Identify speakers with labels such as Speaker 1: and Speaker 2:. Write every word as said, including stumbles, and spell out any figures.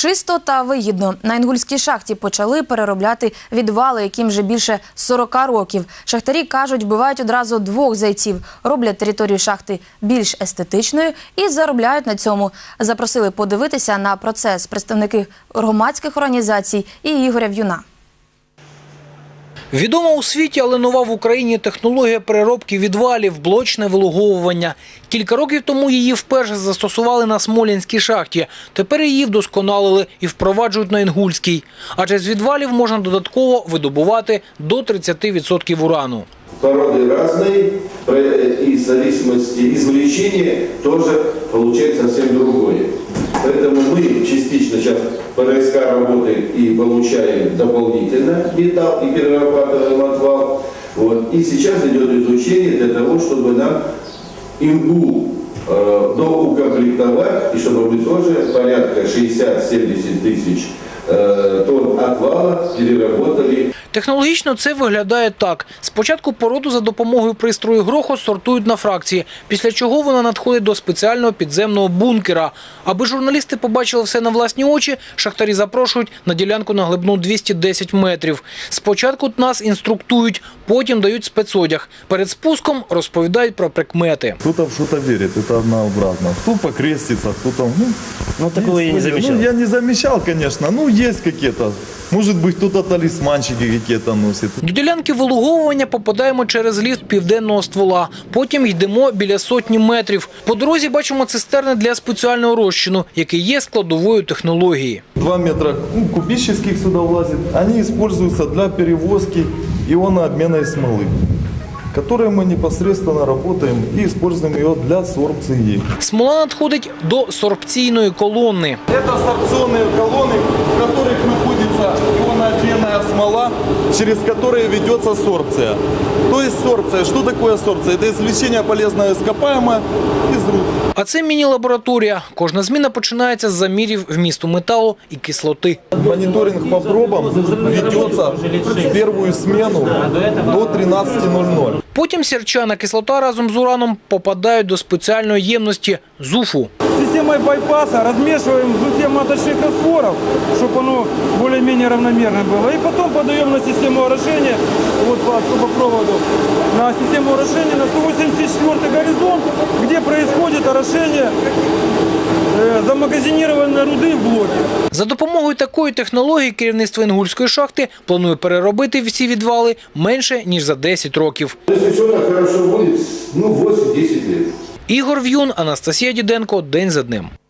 Speaker 1: Чисто та вигідно. На Інгульській шахті почали переробляти відвали, яким вже більше сорока років. Шахтарі кажуть, вбивають одразу двох зайців, роблять територію шахти більш естетичною і заробляють на цьому. Запросили подивитися на процес представники громадських організацій і Ігоря В'юна.
Speaker 2: Відома у світі, але нова в Україні технологія переробки відвалів – блочне вилуговування. Кілька років тому її вперше застосували на Смолінській шахті. Тепер її вдосконалили і впроваджують на Інгульській. Адже з відвалів можна додатково видобувати до тридцати відсотків урану.
Speaker 3: Породы разные, и в зависимости извлечения тоже получается совсем другое. Поэтому мы частично сейчас по РСК работаем и получаем дополнительно металл и перерабатываем отвал. Вот. И сейчас идет изучение для того, чтобы нам Ингул э, доукомплектовать, и чтобы мы тоже порядка шестьдесят-семьдесят тысяч э, тонн отвала переработали.
Speaker 2: Технологічно це виглядає так. Спочатку породу за допомогою пристрою Грохот сортують на фракції, після чого вона надходить до спеціального підземного бункера. Аби журналісти побачили все на власні очі, шахтарі запрошують на ділянку на глибину двісті десять метрів. Спочатку нас інструктують, потім дають спецодяг. Перед спуском розповідають про прикмети.
Speaker 4: Кто-то в что-то верит, это однообразно. Кто покрестится, кто-то... Ну,
Speaker 5: ну такого я не замечал.
Speaker 4: Ну, я не замечал, конечно. Ну, есть какие-то. Может быть, кто-то талисманчики какие-то носит.
Speaker 2: До ділянки вилуговування попадаємо через ліфт південного ствола. Потім йдемо біля сотні метрів. По дорозі бачимо цистерни для спеціального розчину, який є складовою технології.
Speaker 4: Два метра ну, кубических сюда влазит. Они используются для перевозки ионообмена и смолы, которые мы непосредственно работаем и используем ее для сорбции.
Speaker 2: Смола надходить до сорбційної колони.
Speaker 4: Это сорбционные колонны, в которых находится ионообменная смола, через которые ведется сорбция. То есть сорбция. Что такое сорбция? Это извлечение полезного ископаемого из руд.
Speaker 2: А це міні-лабораторія. Кожна зміна починається з замірів вмісту металу і кислоти.
Speaker 4: Мониторинг по пробам ведется в первую смену до тринадцати ноль-ноль.
Speaker 2: Потім сірчана кислота разом з ураном попадають до спеціальної ємності – зуфу.
Speaker 6: Системой байпаса размешиваем зуфе маточных растворов, чтобы оно более-менее равномерно было. И потом подаем на систему орошения, вот по трубопроводу, на систему орошения на сто восемьдесят четвёртый горизонт, где происходит орошение э, замагазинированной руды в блоке.
Speaker 2: За допомогою такої технології керівництво Інгульської шахти планує переробити всі відвали менше, ніж за десять років.
Speaker 3: Если все хорошо будет, ну восемь-десять лет.
Speaker 2: Ігор В'юн, Анастасія Діденко. День за днем.